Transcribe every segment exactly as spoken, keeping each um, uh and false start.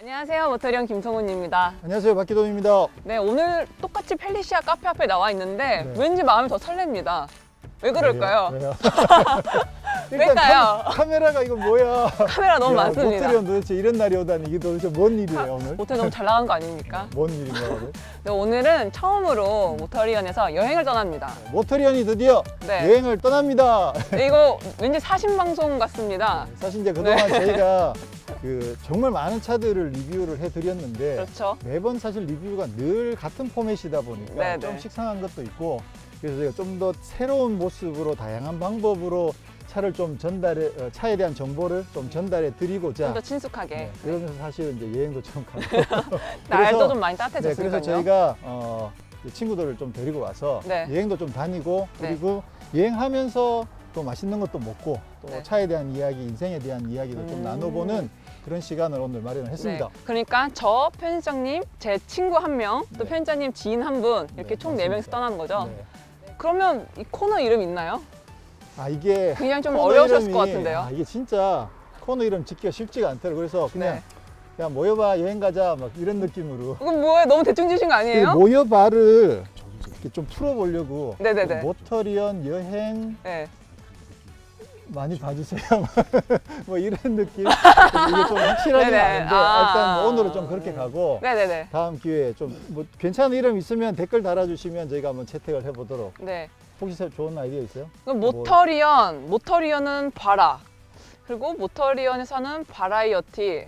안녕하세요, 모터리언 김성훈입니다. 안녕하세요, 박기동입니다. 네, 오늘 똑같이 펠리시아 카페 앞에 나와 있는데 네. 왠지 마음이 더 설렙니다. 왜 그럴까요? 왜요? 왜요? 왜일까요? 카, 카메라가 이거 뭐야? 카메라 너무 야, 많습니다. 모터리언 도대체 이런 날이 오다니 이게 도대체 뭔 일이에요 오늘? 모텔 너무 잘 나간 거 아닙니까? 뭔 일인가 오늘? 네, 오늘은 처음으로 모터리언에서 여행을 떠납니다. 모터리언이 드디어 네. 여행을 떠납니다. 네, 이거 왠지 사신 방송 같습니다. 사실 이제 그동안 네. 저희가 그 정말 많은 차들을 리뷰를 해드렸는데 그렇죠. 매번 사실 리뷰가 늘 같은 포맷이다 보니까 네, 좀 네. 식상한 것도 있고 그래서 저희가 좀 더 새로운 모습으로 다양한 방법으로 차를 좀 전달해 어, 차에 대한 정보를 좀 전달해 드리고자 좀 더 친숙하게. 네, 그러면서 사실은 이제 여행도 좀 가고 날도 좀 많이 네, 따뜻해졌으니까요. 그래서 저희가 어, 친구들을 좀 데리고 와서 네. 여행도 좀 다니고 네. 그리고 여행하면서 또 맛있는 것도 먹고 또 네. 차에 대한 이야기, 인생에 대한 이야기도 좀 음. 나눠보는 그런 시간을 오늘 마련을 했습니다. 네, 그러니까 저 편집장님, 제 친구 한 명, 또 네. 편집장님 지인 한 분 이렇게 네, 총 네 명이서 맞습니다. 떠나는 거죠. 네. 그러면 이 코너 이름 있나요? 아 이게 굉장히 좀 코너 어려우셨을 이름이- 것 같은데요. 아, 이게 진짜 코너 이름 짓기가 쉽지가 않더라고요. 그래서 그냥 네. 그냥 모여봐 여행 가자 막 이런 느낌으로 이건 뭐예요? 너무 대충 지신 거 이 아니에요? 모여봐를 이렇게 좀 풀어보려고 네네네. 모터리언 여행 네. 많이 봐주세요. 뭐 이런 느낌. 이게 좀 확실하지 네네. 않은데 아. 일단 뭐 오늘은 좀 그렇게 가고 네네네. 다음 기회에 좀 뭐 괜찮은 이름 있으면 댓글 달아주시면 저희가 한번 채택을 해보도록. 네. 혹시 좋은 아이디어 있어요? 그럼 모터리언, 모터리언은 바라. 그리고 모터리언에서는 바라이어티.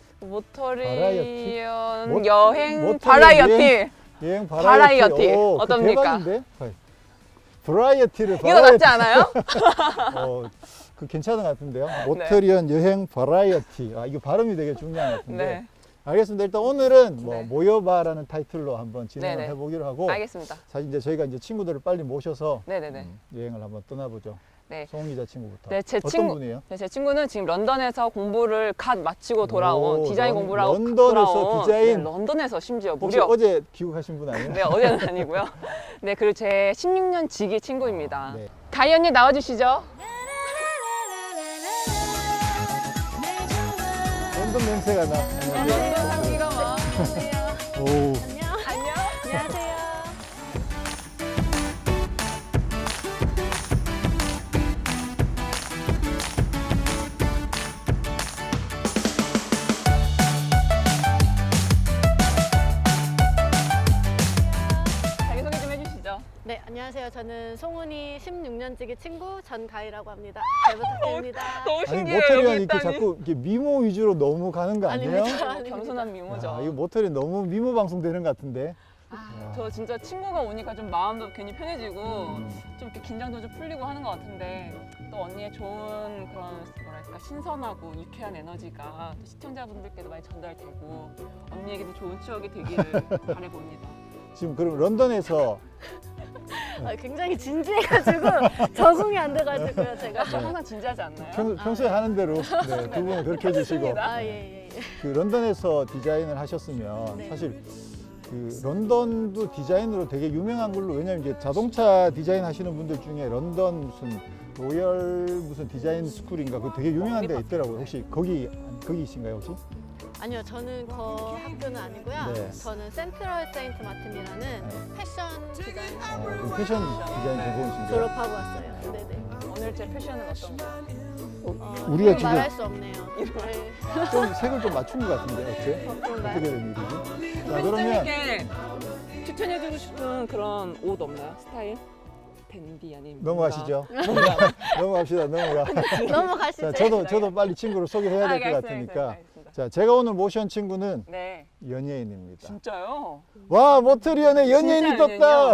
모터리언 모- 여행 모터리언 바라이어티. 여행- 여행 바라이어티. 바라이어티. 오, 그거 어떻습니까? 대박인데? 브라이어티를 이거 낫지 않아요? 어, 그 괜찮은 것 같은데요. 모터리언 여행 바라이어티. 아 이거 발음이 되게 중요한 것 같은데. 네. 알겠습니다. 일단 오늘은 뭐 네. 모여봐라는 타이틀로 한번 진행을 네네. 해보기로 하고 알겠습니다. 사실 이제 저희가 이제 친구들을 빨리 모셔서 네네네. 음, 여행을 한번 떠나보죠. 네. 송은 기자 친구부터. 네, 제 어떤 친구- 분이에요? 네, 제 친구는 지금 런던에서 공부를 갓 마치고 돌아온 오, 디자인 런- 공부를 하고 런던에서 돌아온 디자인? 네, 런던에서 심지어 혹시 무려 어제 귀국하신 분 아니에요? 네, 어제는 아니고요. 네, 그리고 제 십육 년 지기 친구입니다. 네. 가희 언니 나와주시죠. 런던 냄새가 나. 런던 향기가 막. 오. 안녕. 안녕하세요. 자기소개 좀 해주시죠. 네, 안녕하세요. 저는 송은이 십육 년지기 친구 전가희라고 합니다. 잘 부탁드립니다. 너무 아니 신기해요. 모터리언 여기 이렇게 있다니. 자꾸 이렇게 미모 위주로 너무 가는 거 아니에요? 아닙니다. 너무 겸손한 미모죠. 야, 이거 모터리언 너무 미모 방송 되는 것 같은데. 아, 저 진짜 친구가 오니까 좀 마음도 괜히 편해지고 음. 좀 이렇게 긴장도 좀 풀리고 하는 것 같은데 또 언니의 좋은 그런 뭐랄까 신선하고 유쾌한 에너지가 또 시청자분들께도 많이 전달되고 언니에게도 좋은 추억이 되기를 바라봅니다. 지금 그럼 런던에서 아, 굉장히 진지해가지고 적응이 안 돼가지고요, 제가. 저 항상 진지하지 않나요? 평, 평소에 하는 대로 네, 두 분은 그렇게 해주시고 아, 예, 예, 예. 그 런던에서 디자인을 하셨으면 네. 사실 그 런던도 디자인으로 되게 유명한 걸로 왜냐면 이제 자동차 디자인 하시는 분들 중에 런던 무슨 로열 무슨 디자인 스쿨인가 그 되게 유명한 데 있더라고요. 혹시 거기 거기이신가요 혹시? 아니요, 저는 그 학교는 아니고요. 네. 저는 센트럴 세인트 마틴이라는 네. 패션 디자인 어, 그럼 패션 디자인 전공이신가요? 졸업하고 왔어요. 네네. 오늘 제 패션은 어떤가요? 어, 우리가 이건 지금- 말할 수 없네요. 네. 좀 색을 좀 맞춘 것 같은데 어째? 어, 그런가요? 어떻게 된 일이지? 자 그러면 팬님께 추천해주고 싶은 그런 옷 없나요? 스타일? 댄디 아니면 넘어가시죠. 넘어갑시다. 넘어가. 넘어가시죠. 자 저도 저도 빨리 친구를 소개해야 될 것 알겠습니다. 같으니까. 알겠습니다. 자 제가 오늘 모신 친구는 네, 연예인입니다. 진짜요? 와 모터리언에 연예인이 진짜 떴다.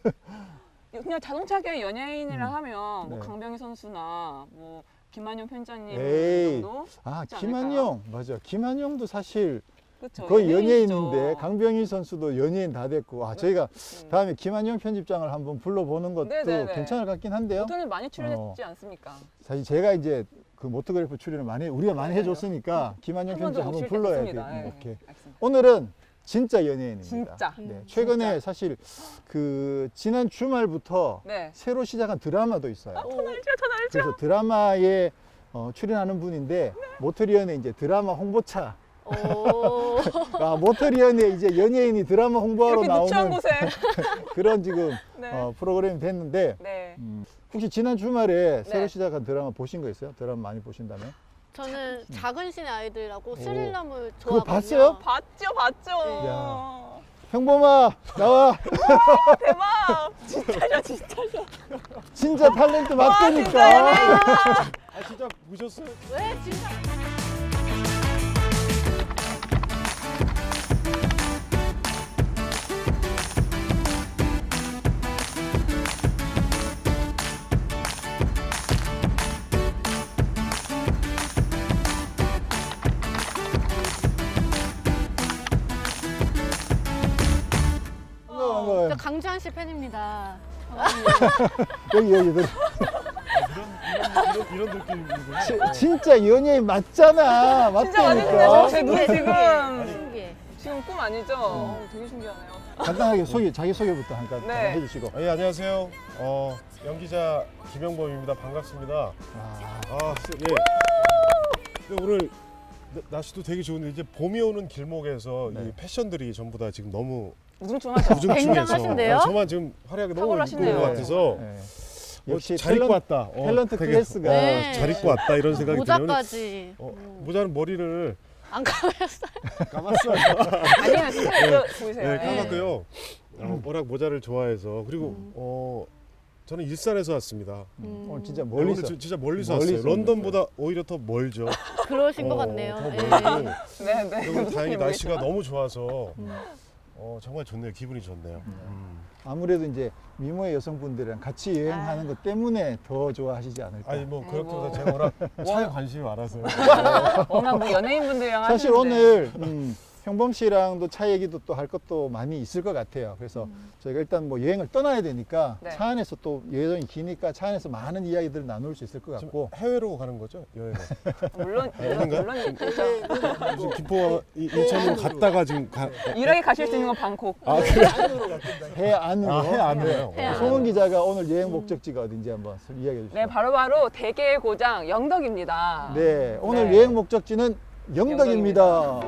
그냥 자동차계 연예인이라 음. 하면 뭐 네. 강병희 선수나 뭐 김한용 편집장님 에이. 정도 아 그렇지 김한용 맞아. 김한용도 사실 그쵸, 거의 연예인이죠. 연예인인데 강병희 선수도 연예인 다 됐고 아 저희가 음. 다음에 김한용 편집장을 한번 불러보는 것도 네네네. 괜찮을 것 같긴 한데요. 모토는 많이 출연했지 않습니까? 사실 제가 이제 그 모토그래프 출연을 많이 우리가 많이 맞아요. 해줬으니까 김한용 한 번 더 편집장 한번 모실 때 불러야 돼. 됐습니다. 예, 오케이. 알겠습니다. 오늘은 진짜 연예인입니다. 진짜. 네, 음, 최근에 진짜. 사실 그 지난 주말부터 네. 새로 시작한 드라마도 있어요. 더 날죠, 더 날죠. 그래서 드라마에 어, 출연하는 분인데 모터리언의 이제 드라마 홍보차 오. 아, 모텔 연애 이제 연예인이 드라마 홍보하러 이렇게 누추한 나오는 곳에. 그런 지금 네. 어, 프로그램이 됐는데 네. 음, 혹시 지난 주말에 새로 네. 시작한 드라마 보신 거 있어요? 드라마 많이 보신다면? 저는 작은 신의 아이들이라고 오. 스릴러물 그거 좋아하거든요. 봤어요? 봤죠, 봤죠. 네. 야. 형범아 나와. 대박. 진짜죠, 진짜죠. 진짜 탤런트 와, 맞다니까. 진짜 아 진짜 보셨어요? 왜 진짜? 반가워, 반가워요. 저 강주한 씨 팬입니다. 여기 여기 들 이런 이런 이런 느낌이군요. 진짜 연예인 맞잖아. 진짜 맞으시네요. 맞다니까. 제 눈에 신기해, 지금 신기해. 지금 꿈 아니죠? 어, 되게 신기하네요. 간단하게 소개 자기 소개부터 잠깐 네. 해주시고. 예 안녕하세요. 어 연기자 김영범입니다. 반갑습니다. 아, 아 예. 근데 오늘 나- 날씨도 되게 좋은데 이제 봄이 오는 길목에서 네. 이 패션들이 전부 다 지금 너무 우중충하죠? 우중충해서 굉장하신데요? 어, 저만 지금 활약이 너무 탁월하시네요. 이쁜 것 같아서 네. 어, 역시 잘 입고 탤런- 왔다. 어, 탤런트 되게, 클래스가 어, 네. 잘 입고 왔다 이런 생각이 들어요. 모자까지. 어, 음. 모자는 머리를 안 감았어요. 감았어요. 아니면 스타일 네. 보이세요? 네, 까맣고요. 어, 워낙 모자를 좋아해서 그리고 음. 어 저는 일산에서 왔습니다. 음. 오늘 진짜 네, 멀리서. 오늘 저- 진짜 멀리서 멀리서 왔어요. 런던보다 오히려 더 멀죠. 그러신 것 어, 같네요. 더 예. 멀고 네, 네. 오늘 무슨 다행히 일인지 날씨가 모르겠지만. 너무 좋아서 음. 어, 정말 좋네요. 기분이 좋네요. 음. 아무래도 이제 미모의 여성분들이랑 같이 여행하는 아. 것 때문에 더 좋아하시지 않을까. 아니 뭐 그렇기보다 아이고. 제가 워낙 차에 관심이 많아서요. 워낙 뭐 연예인분들이랑 사실 하시는데. 오늘 음, 형범 씨랑도 차 얘기도 또 할 것도 많이 있을 것 같아요. 그래서 저희가 일단 뭐 여행을 떠나야 되니까 네. 차 안에서 또 여행이 기니까 차 안에서 많은 이야기들을 나눌 수 있을 것 지금 같고. 해외로 가는 거죠? 여행을. 물론 물론 아닌가요? 물론 그렇죠. 지금 김포와 이- 인천으로 갔다가 지금 가. 유일하게 가실 수 있는 건 방콕. 아 그래? 해 안으로. 아, 해 안으로요? 해 안으로. 송은 기자가 오늘 여행 목적지가 어딘지 한번 이야기해 주시죠. 네, 바로바로 대게의 고장 영덕입니다. 네, 오늘 네. 여행 목적지는 영덕입니다.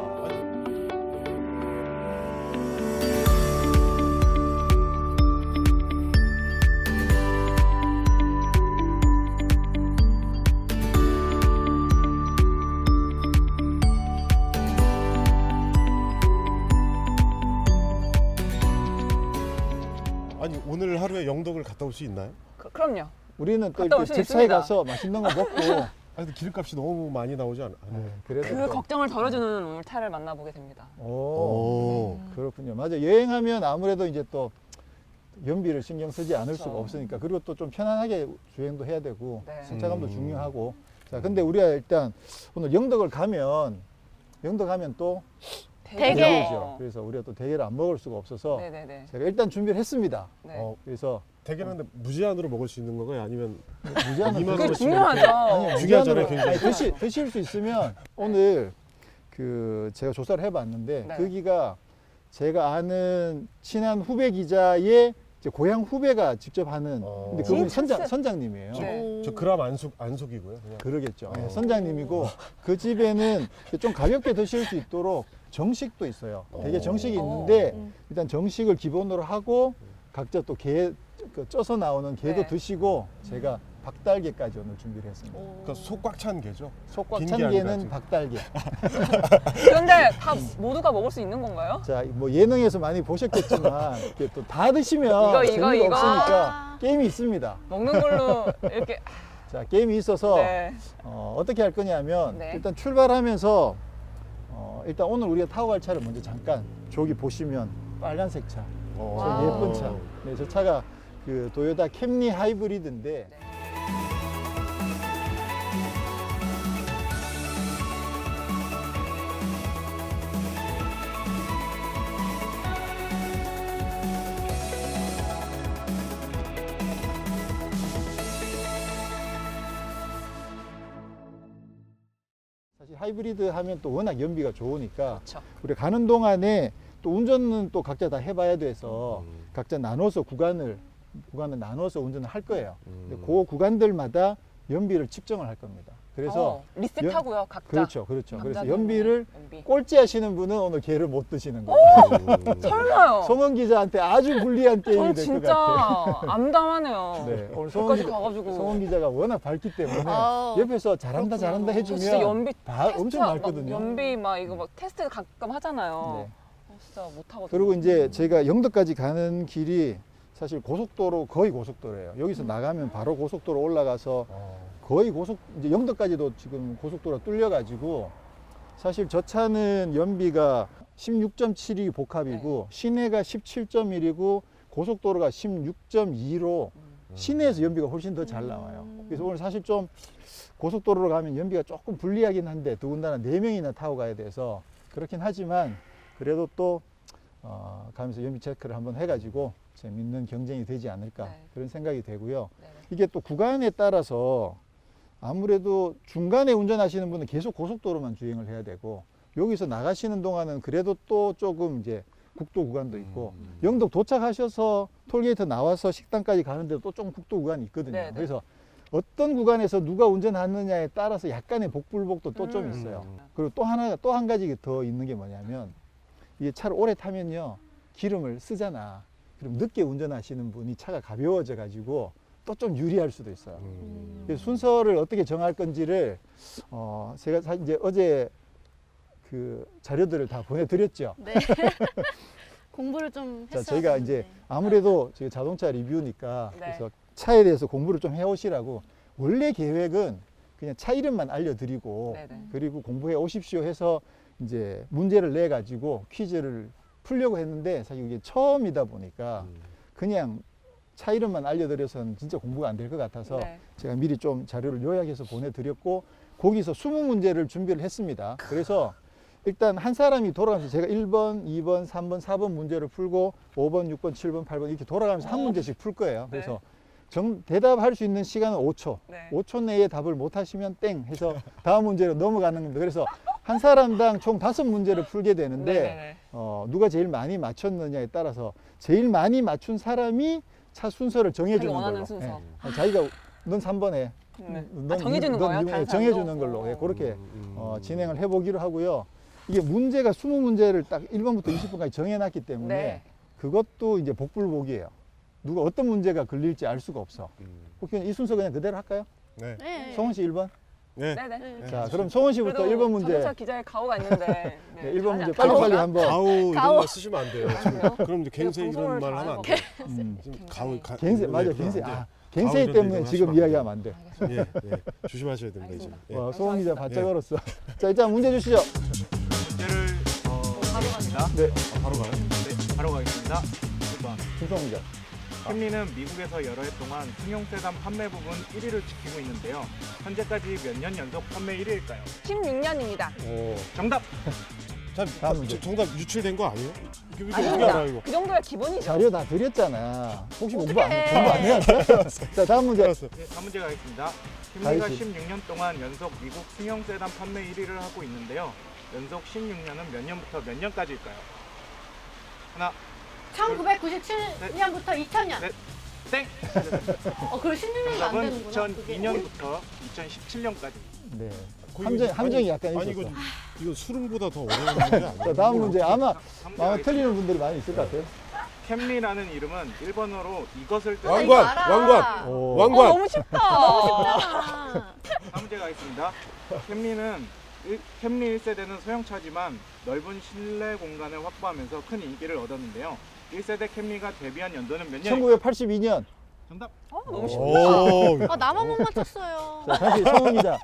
아니 오늘 하루에 영덕을 갔다 올 수 있나요? 그, 그럼요. 우리는 또 갔다 올 이렇게 수 집사에 있습니다. 가서 맛있는 거 먹고. 아니 근데 기름값이 너무 많이 나오지 않아요? 네, 그래도 그 또- 걱정을 덜어주는 오늘 차를 만나보게 됩니다. 오, 오. 그렇군요. 맞아. 여행하면 아무래도 이제 또 연비를 신경 쓰지 않을 그렇죠. 수가 없으니까. 그리고 또 좀 편안하게 주행도 해야 되고 네. 승차감도 음. 중요하고. 자, 근데 우리가 일단 오늘 영덕을 가면 영덕 가면 또 대게. 대게죠. 그래서 우리가 또 대게를 안 먹을 수가 없어서 네네네. 제가 일단 준비를 했습니다. 네. 어, 그래서 대게는 근데 무제한으로 먹을 수 있는 건가요? 아니면 무제한으로 이만 그게 원어치 중요하죠. 아니요, 중요하잖아요, 무제한으로- 굉장히. 아니, 드시, 드실 수 있으면 오늘 그 제가 조사를 해봤는데 네. 거기가 제가 아는 친한 후배 기자의 이제 고향 후배가 직접 하는 어. 근데 그분이 진짜 선장, 쎄. 선장님이에요. 네. 저 그람 안속 안속이고요. 그냥. 그러겠죠. 예, 어. 선장님이고 그 집에는 좀 가볍게 드실 수 있도록 정식도 있어요. 되게 어. 정식이 어. 있는데 음. 일단 정식을 기본으로 하고 각자 또 게 그 쪄서 나오는 게도 네. 드시고 제가 박달게까지 오늘 준비를 했습니다. 오. 그러니까 속 꽉 찬 게죠. 속 꽉 긴 찬 게 아니라 게는 지금. 박달게. 그런데 다 모두가 먹을 수 있는 건가요? 자, 뭐 예능에서 많이 보셨겠지만 이렇게 또 다 드시면 이거, 이거, 재미가 이거. 없으니까 아. 게임이 있습니다. 먹는 걸로 이렇게 자, 게임이 있어서 네. 어, 어떻게 할 거냐면 네. 일단 출발하면서 어, 일단 오늘 우리가 타고 갈 차를 먼저 잠깐 저기 보시면 빨간색 차, 어. 저 와우. 예쁜 차. 네, 저 차가 그 도요타 캠리 하이브리드인데 네. 사실 하이브리드 하면 또 워낙 연비가 좋으니까 그렇죠. 우리 가는 동안에 또 운전은 또 각자 다 해봐야 돼서 음. 각자 나눠서 구간을 구간을 나눠서 운전을 할 거예요. 근데 음. 그 구간들마다 연비를 측정을 할 겁니다. 그래서 어, 리셋하고요, 각자. 그렇죠, 그렇죠. 그래서 남자는 연비를 연비. 꼴찌 하시는 분은 오늘 개를 못 드시는 거예요. 설마요. 송은 기자한테 아주 불리한 게임이 전 될 것 진짜 같아요. 암담하네요. 네, 오늘 송은, 여기까지 기, 가가지고. 송은 기자가 워낙 밝기 때문에 어. 옆에서 잘한다 잘한다 저 해주면 진짜 연비 다 테스트 엄청 막 밝거든요. 연비 막 이거 막 테스트 가끔 하잖아요. 네. 어, 진짜 못 하거든요. 그리고 이제 저희가 영덕까지 가는 길이 사실 고속도로 거의 고속도로예요. 여기서 나가면 바로 고속도로 올라가서 거의 고속 이제 영덕까지도 지금 고속도로가 뚫려가지고 사실 저 차는 연비가 십육 점 칠이 복합이고 시내가 십칠 점 일이고 고속도로가 십육 점 이로 시내에서 연비가 훨씬 더 잘 나와요. 그래서 오늘 사실 좀 고속도로로 가면 연비가 조금 불리하긴 한데 더군다나 네 명이나 타고 가야 돼서 그렇긴 하지만 그래도 또 어, 가면서 연비 체크를 한번 해가지고 재밌는 경쟁이 되지 않을까 네. 그런 생각이 되고요. 네네. 이게 또 구간에 따라서 아무래도 중간에 운전하시는 분은 계속 고속도로만 주행을 해야 되고 여기서 나가시는 동안은 그래도 또 조금 이제 국도 구간도 있고 음. 영덕 도착하셔서 톨게이트 나와서 식당까지 가는데도 또 좀 국도 구간이 있거든요. 네네. 그래서 어떤 구간에서 누가 운전하느냐에 따라서 약간의 복불복도 또 좀 음. 있어요. 음. 그리고 또 하나 또 한 가지 더 있는 게 뭐냐면 이게 차를 오래 타면요 기름을 쓰잖아. 그럼 늦게 운전하시는 분이 차가 가벼워져 가지고 또 좀 유리할 수도 있어요. 음. 그래서 순서를 어떻게 정할 건지를 어 제가 사실 이제 어제 그 자료들을 다 보내드렸죠. 네. 공부를 좀 자 했어야 저희가 이제 되는데. 아무래도 저희 자동차 리뷰니까 네. 그래서 차에 대해서 공부를 좀 해오시라고 원래 계획은 그냥 차 이름만 알려드리고 네네. 그리고 공부해 오십시오 해서 이제 문제를 내 가지고 퀴즈를 풀려고 했는데 사실 이게 처음이다 보니까 그냥 차 이름만 알려드려서는 진짜 공부가 안 될 것 같아서 네. 제가 미리 좀 자료를 요약해서 보내드렸고 거기서 이십 문제를 준비를 했습니다. 그래서 일단 한 사람이 돌아가면서 제가 일 번, 이 번, 삼 번, 사 번 문제를 풀고 오 번, 육 번, 칠 번, 팔 번 이렇게 돌아가면서 한 어. 문제씩 풀 거예요. 네. 그래서 정, 대답할 수 있는 시간은 오 초. 네. 오 초 내에 답을 못 하시면 땡 해서 다음 문제로 넘어가는 겁니다. 그래서 한 사람당 총 다섯 문제를 풀게 되는데 네네네. 어, 누가 제일 많이 맞췄느냐에 따라서 제일 많이 맞춘 사람이 차 순서를 정해주는 자기가 원하는 걸로. 순서. 예. 어, 자기가 넌 삼 번 해. 네. 넌 아, 정해주는 이- 넌 거예요? 이 번 해. 다른 정해주는 사람도? 걸로 예, 그렇게 음. 어, 진행을 해보기로 하고요. 이게 문제가 이십 문제를 딱 일 번부터 이십 번까지 정해놨기 때문에 네. 그것도 이제 복불복이에요. 누가 어떤 문제가 걸릴지 알 수가 없어. 음. 혹시 이 순서 그냥 그대로 할까요? 네. 네. 송은 씨 일 번. 네. 네네. 네. 자, 그럼 송은 씨부터 그래도 일 번 문제. 자동차 기자의 가오가 있는데. 네, 네, 일 번 문제 잘하지 않- 빨리빨리 가오가? 한번. 가오 이런 가오. 말 쓰시면 안 돼요. 지금 그래요? 그럼 이제 갱세 방송을 이런 말 하면 안 돼요. 음. 지금 굉장히- 가오 가, 갱세 맞아 네, 갱세. 안 돼요. 아, 갱세 가오 때문에 이런 지금 얘기 이야기하면 안 돼. 알겠습니다. 예, 예. 조심하셔야 됩니다, 이제. 예. 와, 송은 기자 바짝 예. 얼었어. 자, 일단 문제 주시죠. 문제를 어, 하겠습니다. 네, 아, 바로 가요? 네, 바로 가겠습니다. 일 번. 김성훈 기자. 캠리는 미국에서 여러 해 동안 승용 세단 판매 부분 일 위를 지키고 있는데요. 현재까지 몇 년 연속 판매 일 위일까요? 십육 년입니다. 오. 정답! 자, 다음 자, 문제. 정답 유출된 거 아니에요? 이게 어떻게 아닙니다. 알아 이거? 그 정도야 기본이죠. 자료 다 드렸잖아. 혹시 공부 안, 어떡해. 공부 안 해왔어요? 자, 다음 문제. 알았어. 네, 다음 문제 가겠습니다. 캠리가 가야지. 십육 년 동안 연속 미국 승용 세단 판매 일 위를 하고 있는데요. 연속 십육 년은 몇 년부터 몇 년까지일까요? 하나, 천구백구십칠 년부터 이천 년. 네. 땡! 어, 그럼 십육 년도 안 정답은 되는구나. 그게. 이천이 년부터 이천십칠 년까지. 네. 거의 함정, 이거- 함정이 아니, 약간 아니 있었어. 이거 이거 수능보다 더 어려운 문제 아니에요? 자, 다음 문제. 아마, 다음 문제 아마 가겠습니다. 틀리는 분들이 많이 있을 것 같아요. 캠리라는 이름은 일본어로 이것을 아, 뜻하는 이거 왕관, 알아. 왕관. 오. 어, 왕관. 너무 쉽다. 아, 다음 문제 가겠습니다. 캠리는 일- 캠리 일 세대는 소형차지만 넓은 실내 공간을 확보하면서 큰 인기를 얻었는데요. 일 세대 캠리가 데뷔한 연도는 몇 년? 천구백팔십이 년. 정답. 어, 너무 쉽다. 오. 아, 나만 못 맞췄어요. 자, 다시 성훈 기자.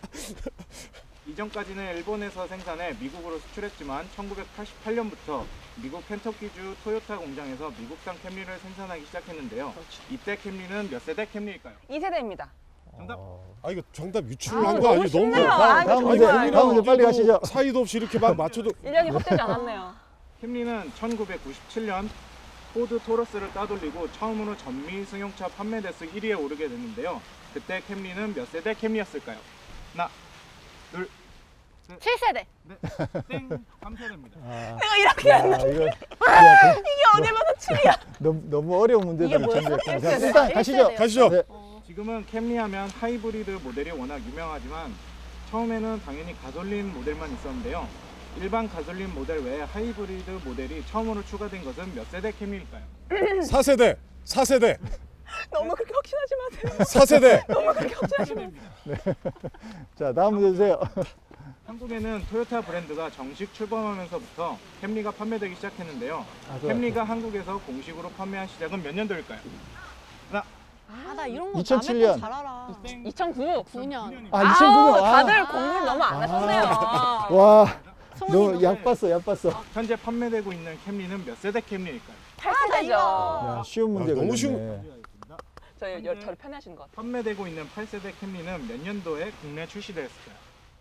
이전까지는 일본에서 생산해 미국으로 수출했지만 천구백팔십팔 년부터 미국 켄터키주 토요타 공장에서 미국산 캠리를 생산하기 시작했는데요. 이때 캠리는 몇 세대 캠리일까요? 이 세대입니다. 정답. 어. 아 이거 정답 아, 유출한 거 너무 아니에요? 너무 쉽네요. 다음, 아, 다음 이거 문제, 정말 다음 문제 빨리 가시죠. 사이도 없이 이렇게 막 맞춰도 일 년이 헛되지 않았네요. 캠리는 천구백구십칠 년 포드 토러스를 따돌리고 처음으로 전미 승용차 판매 대수 일 위에 오르게 됐는데요. 그때 캠리는 몇 세대 캠리였을까요? 하나, 둘, 칠 세대. 넷, 땡, 삼 세대입니다. 아, 내가 이렇게 야, 이거. 야, 그- 이게 어디 봐서 칠이야. 너무, 너무 어려운 문제들을 이게 뭐였어? 준비했다. 일 자, 세대. 일단 일 가시죠. 세대요. 가시죠. 네. 어. 지금은 캠리하면 하이브리드 모델이 워낙 유명하지만 처음에는 당연히 가솔린 모델만 있었는데요. 일반 가솔린 모델 외에 하이브리드 모델이 처음으로 추가된 것은 몇 세대 캠리일까요? 사 세대, 사 세대, 너무 그렇게 확신하지 마세요. 사 세대. 너무 그렇게 확신하지 마세요. 자, 다음 문제 주세요. 한국에는 토요타 브랜드가 정식 출범하면서부터 캠리가 판매되기 시작했는데요. 아, 그- 캠리가 한국에서 공식으로 판매한 시작은 몇 년도일까요? 하나, 아, 나 이런 거 이천칠 남의 년. 거잘 알아. 이천구. 구 년. 아, 이천구 년. 다들 아, 공부를 너무 안 하셨네요. 와, 송은이 너무 약 봤어, 약 봤어. 현재 판매되고 있는 캠리는 몇 세대 캠리일까요? 팔 나 세대죠. 야, 쉬운 문제 아, 너무 걸렸네. 쉬운- 저희 여- 저를 편애하시는 것 같아요. 판매되고 있는 팔 세대 캠리는 몇 년도에 국내 출시되었을까요?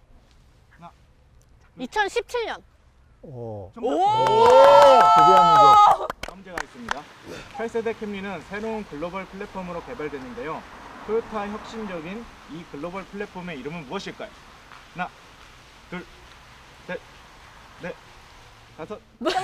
이천십칠 년. 오, 정답. 드디어 문제. 다음 문제가 있습니다. 팔 세대 캠리는 새로운 글로벌 플랫폼으로 개발되는데요. 토요타 혁신적인 이 글로벌 플랫폼의 이름은 무엇일까요? 하나, 둘, 셋, 넷, 다섯.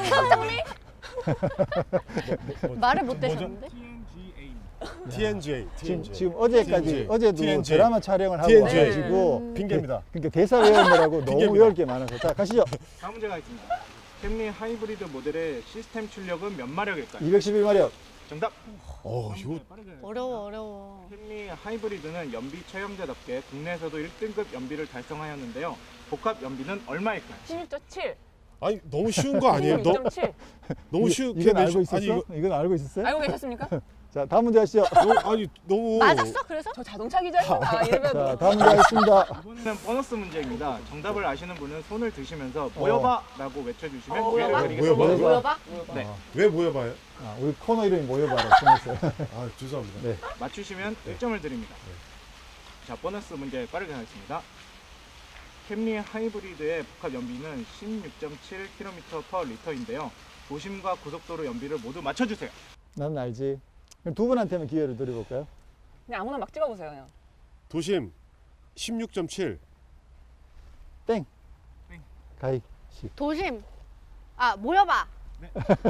말을 못 뭐죠? 대셨는데? 티엔지에이입니다. 티엔지에이, 지금, 티엔지에이. 지금 어제까지, 티엔지에이. 어제도 티엔지에이. 드라마 촬영을 하고 티엔지에이. 와가지고 핑계입니다. 그러니까 대사 외우느라고 너무 핑계입니다. 외울 게 많아서. 자, 가시죠. 다음 문제가 있습니다. 캠리 하이브리드 모델의 시스템 출력은 몇 마력일까요? 이백십일 마력. 정답. 어, 이거 어려워, 어려워. 캠리 하이브리드는 연비 최강자답게 국내에서도 일 등급 연비를 달성하였는데요. 복합 연비는 얼마일까요? 십육 점 칠. 아니 너무 쉬운 거 아니에요? 너 십육 점 칠. 너무 이- 쉬운 이건 알고 내시- 있었어? 아니 이거 이건 알고 있었어요? 알고 계셨습니까? 자, 다음 문제 하시죠. 너무, 아니 너무 맞았어? 그래서? 저 자동차 기자입니다. 이러면 자, 다음 문제 하겠습니다. 이번에는 보너스 문제입니다. 정답을 아시는 분은 손을 드시면서 모여봐라고 외쳐주시면 어, 기회를 모여봐? 드리겠습니다. 모여봐? 모여봐? 네. 어, 왜 모여봐요? 아, 우리 코너 이름이 모여봐라 정했어요. 아 죄송합니다. 네. 맞추시면 일 점을 드립니다. 자, 보너스 문제 빠르게 하겠습니다. 캠리 하이브리드의 복합 연비는 십육 점 칠 킬로미터 퍼 리터인데요. 도심과 고속도로 연비를 모두 맞춰주세요. 나는 알지. 그럼 두 분한테만 기회를 드려볼까요? 그냥 아무나 막 찍어보세요. 그냥. 도심 십육 점 칠. 땡. 땡. 가희 씨. 도심. 아, 모여봐. 네.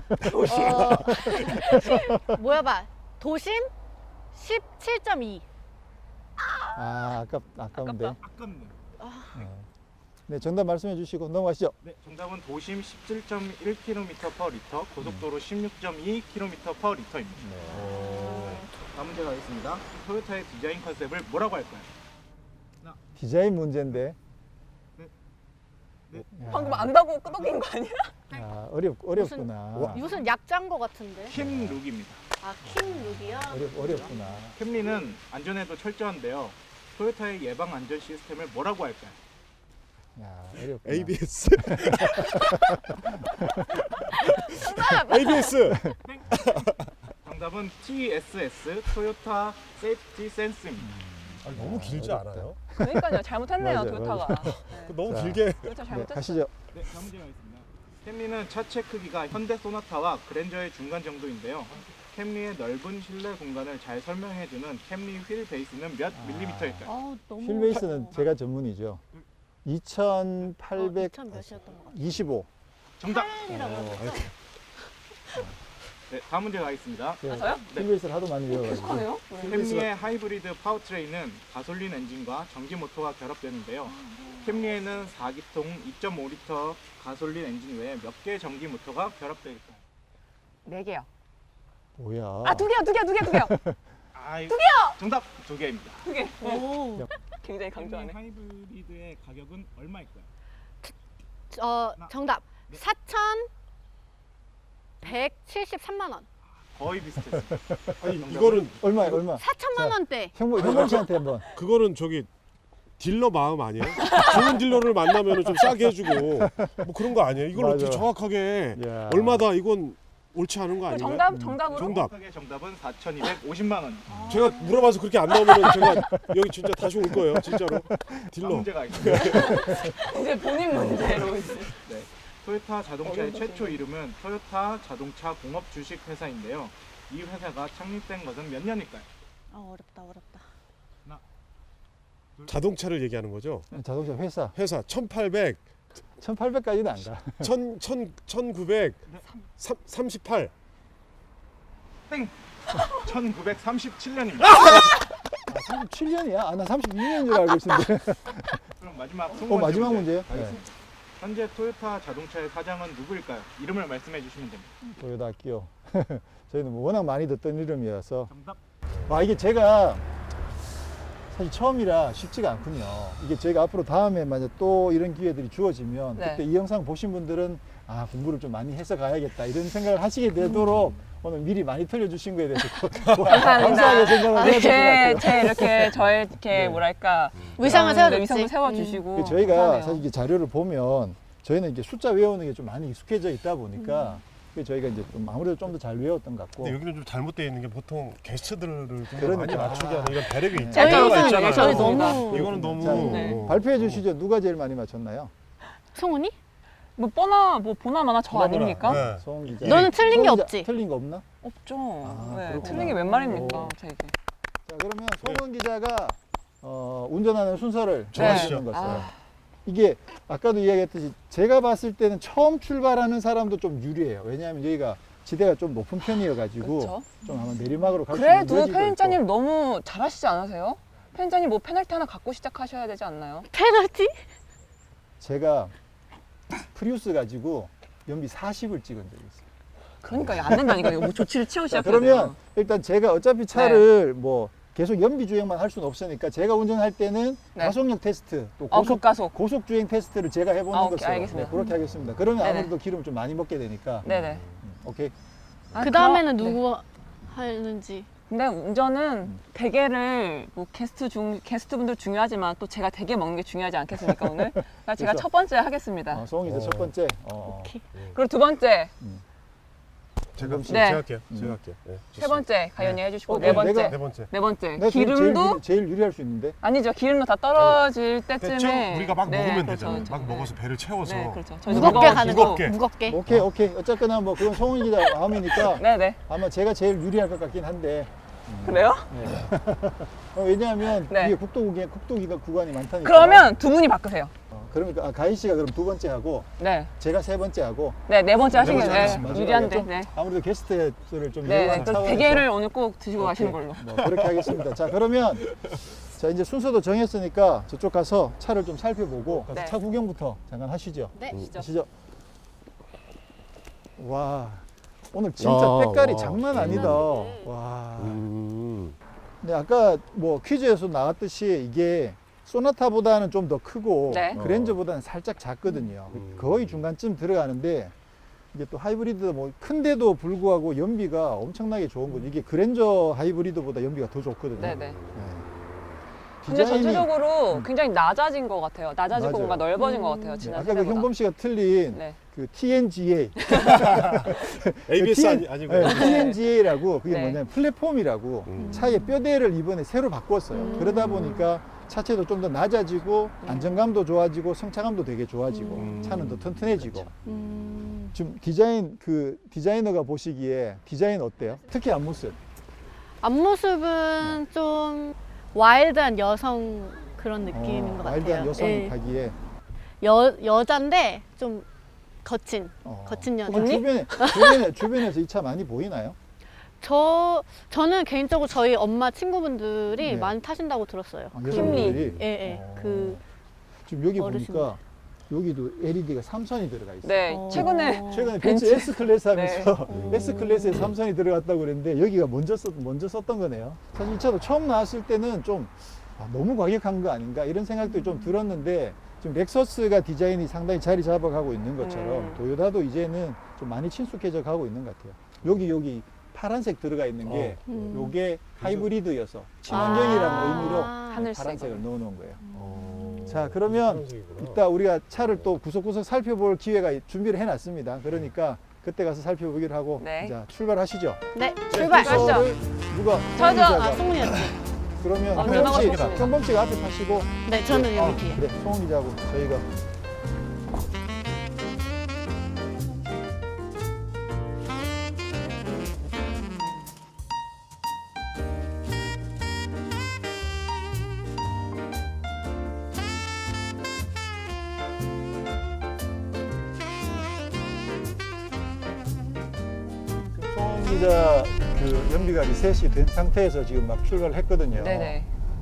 어, 모여봐. 도심 십칠 점 이. 아, 아깝, 아까운데. 아깝다. 아깝네요. 네, 정답 말씀해 주시고 넘어가시죠. 네, 정답은 도심 십칠 점 일 킬로미터 퍼 리터, 고속도로 십육 점 이 킬로미터 퍼 리터입니다. 다음 문제 가겠습니다. 토요타의 디자인 컨셉을 뭐라고 할까요? 디자인 문제인데. 네. 야, 방금 안다고 끄덕인 거 아니야? 야, 어렵, 어렵구나. 와. 무슨 약자인 거 같은데? 킴 룩입니다. 아, 킴 룩이요? 어렵, 어렵구나. 캠리는 안전에도 철저한데요. 토요타의 예방 안전 시스템을 뭐라고 할까요? 야, 어렵구나. 에이비에스. 에이비에스. 정답은 티에스에스 토요타 세이프티 센스입니다. 아니, 너무 길지 어렵다. 않아요? 그러니까요. 잘못했네요. 맞아요, 토요타가. 네. 너무 자. 길게. 토요타 네, 잘못했어요. 가시죠. 네, 다음 문제 가겠습니다. 캠리는 차체 크기가 현대 소나타와 그랜저의 중간 정도인데요. 캠리의 넓은 실내 공간을 잘 설명해주는 캠리 휠 베이스는 몇 아. 밀리미터일까요? 아, 너무. 휠베이스는 어려워. 제가 전문이죠. 어, 이천팔백이십오. 이천 몇이었던 것 같아. 정답. 팔이라고 어, 했어. 네, 다음 문제 가겠습니다. 제가 아, 저요? 휠베이스를 하도 많이 배워가지고. 익숙하네요. 네. 캠리의 하이브리드 파워트레인은 가솔린 엔진과 전기 모터가 결합되는데요. 캠리에는 사 기통 이 점 오 리터 가솔린 엔진 외에 몇 개의 전기 모터가 결합되어 있을까요? 네 개요. 뭐야? 아, 두 개요, 두 개, 두 개, 두 개요. 아, 두 개요. 정답 두 개입니다. 두 개. 오. 굉장히 캠리 강조하네. 하이브리드의 가격은 얼마일까요? 어, 정답. 네. 사천백칠십삼만 원. 거의 비슷했습니다. 아니 정답은 이거는 얼마, 얼마? 사천만 자. 원대. 형모, 형모 씨한테 한번. 그거는 저기 딜러 마음 아니에요? 좋은 딜러를 만나면 좀 싸게 해주고 뭐 그런 거 아니에요? 이걸 맞아. 어떻게 정확하게 야. 얼마다 이건 옳지 않은 거 그 아니에요? 정답, 정답으로. 정답. 정답의 정답은 사천이백오십만 원. 제가 물어봐서 그렇게 안 나오면 제가 여기 진짜 다시 올 거예요, 진짜로. 다음 딜러. 문제가 있습니다. 이제 본인 문제로 이제. 네. 토요타 자동차의 어려운 최초 이름은 토요타 자동차 공업 주식 회사인데요. 이 회사가 창립된 것은 몇 년일까요? 아, 어렵다, 어렵다. 자동차를 얘기하는 거죠? 자동차 회사. 회사 천팔백, 천팔백까지는 안 가. 천, 천, 천구백, 삼, 삼십팔. 땡! 천구백삼십칠 년입니다. 아, 삼십칠 년이야? 아, 나 삼십육 년인 줄 알고 있었는데. 그럼 마지막 스무 어, 번째 마지막 문제 문제요? 가겠습니다. 현재 토요타 자동차의 사장은 누구일까요? 이름을 말씀해 주시면 됩니다. 토요타 끼요. 저희는 뭐 워낙 많이 듣던 이름이어서. 정답. 아, 이게 제가 사실 처음이라 쉽지가 않군요. 이게 저희가 앞으로 다음에 만약 또 이런 기회들이 주어지면 네. 그때 이 영상 보신 분들은 아, 공부를 좀 많이 해서 가야겠다 이런 생각을 하시게 되도록 오늘 미리 많이 틀려주신 거에 대해서 감사하게 생각을 해야 될 것 이렇게 같아요. 제 이렇게 저의 이렇게 네. 뭐랄까 위상을 음, 세워줬지. 위상을 세워주시고 그 저희가 그러네요. 사실 이게 자료를 보면 저희는 이제 숫자 외우는 게 좀 많이 익숙해져 있다 보니까 그 저희가 이제 좀 아무래도 좀 더 잘 외웠던 것 같고 근데 여기는 좀 잘못되어 있는 게 보통 게스트들을 좀 그러니까. 많이 맞추게 하는 이런 배려가 네. 있잖아요. 저희는 있잖아요. 저희 맞습니다. 너무 이거는 너무 자, 네. 발표해 주시죠. 누가 제일 많이 맞췄나요? 송은이? 뭐 뻔하 뭐 보나마나 저 보나마나. 아닙니까? 네. 송 기자. 너는 틀린 게 송 기자, 없지? 틀린 거 없나? 없죠. 아, 네, 그렇구나. 틀린 게 웬 말입니까, 오. 저에게. 자, 그러면 송은 기자가 어, 운전하는 순서를 네. 정하시는 것을. 아. 이게 아까도 이야기했듯이 제가 봤을 때는 처음 출발하는 사람도 좀 유리해요. 왜냐하면 여기가 지대가 좀 높은 편이어가지고 그렇죠. 좀 아마 내리막으로 갈 수 있는 그래도 여지도 편집자님 너무 잘하시지 않으세요? 편집자님 뭐 페널티 하나 갖고 시작하셔야 되지 않나요? 페널티? 있고. 제가 프리우스 가지고 연비 사십을 찍은 적이 있어요. 그러니까 이거 안 된다니까. 이거 뭐 조치를 취하고 자, 시작해야 그러면 돼요. 일단 제가 어차피 차를 뭐 계속 연비 주행만 할 수는 없으니까 제가 운전할 때는 네. 가속력 테스트 또 어, 고속 급가속. 고속 주행 테스트를 제가 해보는 아, 오케이, 것으로 알겠습니다. 네, 그렇게 하겠습니다. 그러면 네네. 아무래도 기름을 좀 많이 먹게 되니까 네네. 음, 오케이. 아, 그 다음에는 그럼- 네. 누구 하는지. 근데 운전은 음. 대게를 뭐 게스트 중 게스트 분들 중요하지만 또 제가 대게 먹는 게 중요하지 않겠습니까 오늘? 그러니까 제가 그렇죠. 첫 번째 하겠습니다. 어, 송이 이제 어. 첫 번째. 어. 오케이. 그리고 두 번째, 제가, 네. 제가 할게요. 음. 제가 할게요. 네, 세 번째 가연이 해주시고 어, 네 네, 번째, 내가- 네 번째. 네 번째 내가 제일- 기름도 제일, 제일 유리할 수 있는데. 아니죠. 기름도 다 떨어질 때쯤에 대충 우리가 막 네, 먹으면 그렇죠, 되잖아요. 그렇죠. 막 네. 먹어서 배를 채워서 네, 그렇죠. 저희도 무겁게 무거워지고. 가는 거. 무겁게. 무겁게. 오케이 오케이. 어쨌거나 뭐 그건 송은 기자 마음이니까 네네. 아마 제가 제일 유리할 것 같긴 한데. 그래요? 어, 왜냐하면 네. 이게 국도구간 국도기가 구간이 많다니까. 그러면 두 분이 바꾸세요. 어, 그러니까 아, 가희 씨가 그럼 두 번째 하고 네, 제가 세 번째 하고 네, 네 번째 하시는 네 게 번째 네, 하겠습니다. 유리한데. 좀 네. 아무래도 게스트를 좀 네, 예우하는 그 차원에서 대게를 오늘 꼭 드시고 가시는 오케이. 걸로. 뭐 그렇게 하겠습니다. 자 그러면 자 이제 순서도 정했으니까 저쪽 가서 차를 좀 살펴보고 가서 네. 차 구경부터 잠깐 하시죠. 네. 하시죠. 와 오늘 진짜 아, 색깔이 와. 장난 아니다. 음. 와. 음. 근데 아까 뭐 퀴즈에서 나왔듯이 이게 소나타보다는 좀 더 크고 네. 그랜저보다는 살짝 작거든요. 음. 거의 중간쯤 들어가는데 이게 또 하이브리드 뭐 큰데도 불구하고 연비가 엄청나게 좋은 거죠. 이게 그랜저 하이브리드보다 연비가 더 좋거든요. 네네. 네. 근데 디자인이- 전체적으로 음. 굉장히 낮아진 것 같아요. 낮아지고 맞아요. 뭔가 넓어진 음. 것 같아요. 네, 지난 아까 그 세대보다. 형범 씨가 틀린 네. 그 티엔지에이, 에이비에스 아니, 아니고. 네, 티엔지에이라고 그게 네. 뭐냐면 플랫폼이라고 음. 차의 뼈대를 이번에 새로 바꿨어요. 음. 그러다 보니까 차체도 좀 더 낮아지고 안정감도 좋아지고 성차감도 되게 좋아지고 음. 차는 더 튼튼해지고. 음. 지금 디자인 그 디자이너가 보시기에 디자인 어때요? 특히 앞모습. 앞모습은 좀 와일드한 여성 그런 느낌인 어, 것 와일드한 같아요. 여성이 예. 가기에 여 여잔데 좀 거친. 어. 거친 여자. 그럼 주변에 주변에 주변에서 이 차 많이 보이나요? 저 저는 개인적으로 저희 엄마 친구분들이 네. 많이 타신다고 들었어요. 아, 그- 여성분들이? 예, 예. 어. 그 지금 여기 어르신들. 보니까 여기도 엘이디가 삼선이 들어가 있어요. 네, 어. 최근에 최근에 벤츠. 벤츠 S 클래스 하면서 네. S 클래스에 삼선이 들어갔다고 그랬는데 여기가 먼저 썼 먼저 썼던 거네요. 사실 이 차도 처음 나왔을 때는 좀 아, 너무 과격한 거 아닌가 이런 생각도 좀 들었는데 지금 렉서스가 디자인이 상당히 자리 잡아가고 있는 것처럼 음. 도요타도 이제는 좀 많이 친숙해져 가고 있는 것 같아요. 여기 여기 파란색 들어가 있는 게 어. 음. 요게 하이브리드여서 친환경이라는 아. 의미로 하늘색. 파란색을 넣어놓은 거예요. 어. 자, 그러면 파란색이구나. 이따 우리가 차를 또 구석구석 살펴볼 기회가 준비를 해놨습니다. 그러니까 그때 가서 살펴보기로 하고 네. 자 출발하시죠. 네, 출발. 가시죠. 순서를 누가 저죠. 홍기자가. 아, 송은이였지. 그러면 어, 현범 누나가 씨, 좋습니다. 현범 씨가 앞에 타시고 네, 저는 어, 여기 뒤에. 그래, 송은 기자하고 저희가 송은 기자 그 연비가 리셋이 된 상태에서 지금 막 출발을 했거든요. 네네.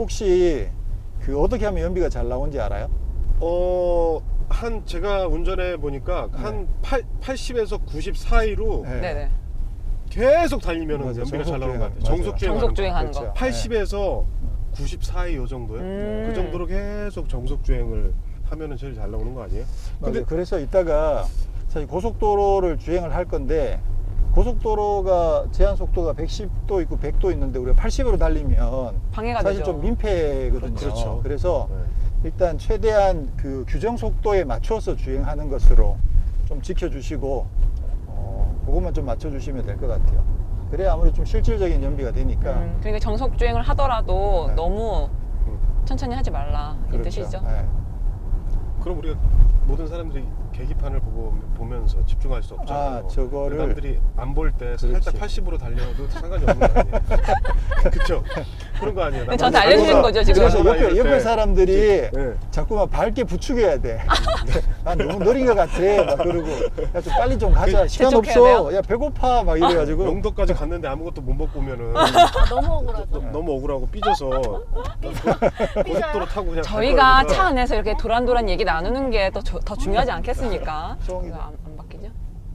혹시 그 어떻게 하면 연비가 잘 나오는지 알아요? 어, 한 제가 운전해 보니까 한 팔, 팔십에서 구십 사이로 네. 네네. 계속 달리면 맞아요. 연비가 잘 나오는 것 같아요. 정속 정속 주행. 정속 주행하는 그렇죠. 거. 팔십에서 구십 사이 요 정도요. 음. 그 정도로 계속 정속 주행을 하면은 제일 잘 나오는 거 아니에요? 근데 근데 그래서 이따가 사실 고속도로를 주행을 할 건데 고속도로가 제한 속도가 백십도 있고 백도 있는데 우리가 팔십으로 달리면 방해가 사실 되죠. 좀 민폐거든요. 그렇죠. 그래서 네. 일단 최대한 그 규정 속도에 맞춰서 주행하는 것으로 좀 지켜주시고 어, 그것만 좀 맞춰주시면 될 것 같아요. 그래야 아무래도 좀 실질적인 연비가 되니까. 음, 그러니까 정속 주행을 하더라도 네. 너무 음. 천천히 하지 말라 이 그렇죠. 뜻이죠. 네. 그럼 우리가 모든 사람들이 계기판을 보고 보면서 집중할 수 없잖아요. 아, 저거를- 남들이 안 볼 때 그렇지. 살짝 팔십으로 달려도 상관이 없는 거 아니에요? 그렇죠? 그런 거 아니에요? 근데 저한테 알려주신 거죠 지금. 그래서 이럴 옆에, 때. 옆에 사람들이 네. 자꾸만 밝게 부추겨야 돼. 아, 너무 느린 것 같아. 막 그러고. 야, 좀 빨리 좀 가자. 시간 재촉해야 없어. 돼요? 야, 배고파. 막 이래가지고. 영도까지 갔는데 아무것도 못 먹고 오면은 아, 너무 억울하죠. 너- 너무 억울하고 삐져서 고속도로 타고 그냥 갈 저희가 거니까. 차 안에서 이렇게 도란도란 얘기 나누는 게 더 더 중요하지 않겠습니까? 소홍이. 이거 안, 안 바뀌죠?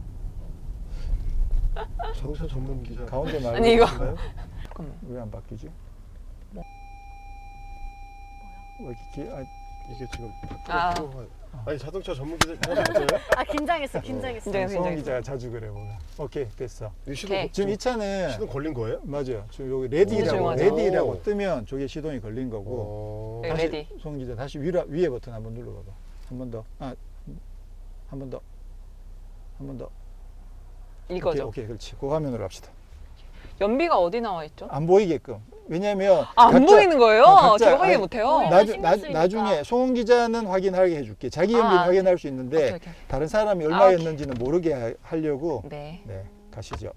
자동차 전문 기자 가운데 말고. 아니, 이거. 인가요? 잠깐만. 왜 안 바뀌지? 왜 이렇게, 아, 이게 지금 아. 아니 자동차 전문 기자 맞아요? 아, 긴장했어, 긴장했어. 긴장했어. 소홍 기자가 자주 그래 보면. 오케이, 됐어. 이 시동 오케이. 지금 이 차는 시동 걸린 거예요? 맞아요. 지금 여기 너무 레디라고 조용하죠. 레디라고 뜨면 저게 시동이 걸린 거고. 어... 네. 다시 레디. 송 기자 다시 위로, 위에 버튼 한번 눌러봐봐. 한 번 더. 아, 한 번 더. 한 번 더. 이거죠. 오케이, 오케이, 그렇지. 그 화면으로 합시다. 연비가 어디 나와 있죠? 안 보이게끔. 왜냐하면 아, 안 각자- 보이는 거예요? 어, 각자- 제가 확인 아니, 못해요. 보이는 나중, 신경 나, 쓰이니까. 나중에 송은 기자는 확인하게 해줄게. 자기 연비 아, 확인할 수 있는데 오케이, 오케이. 다른 사람이 아, 얼마였는지는 모르게 하- 하려고. 네. 네, 가시죠.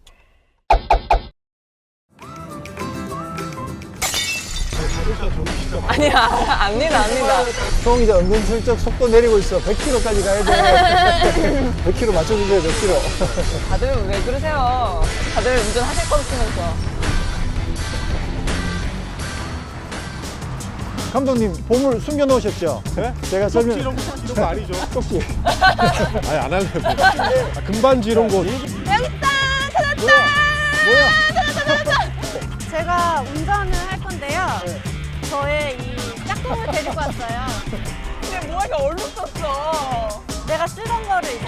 자동차 전문 기자 맞아요? 아니야, 압니다, 압니다. 송은 기자 은근슬쩍 속도 내리고 있어. 백 킬로미터까지 가야 돼. 백 킬로미터 맞춰주세요. 백 킬로미터. 다들 왜 그러세요? 다들 운전하실 거 없으면서. 감독님 보물 숨겨 놓으셨죠? 네? 제가 쪽지 설명. 이런 거 이런 거 아니죠? 쪽지. 아니 안 할래요. 아, 금반지 이런 거. 뭐야? 제가 운전을 할 건데요. 저의 이 짝꿍을 데리고 왔어요. 근데 뭐가 얼룩 썼어. 내가 쓰던 거를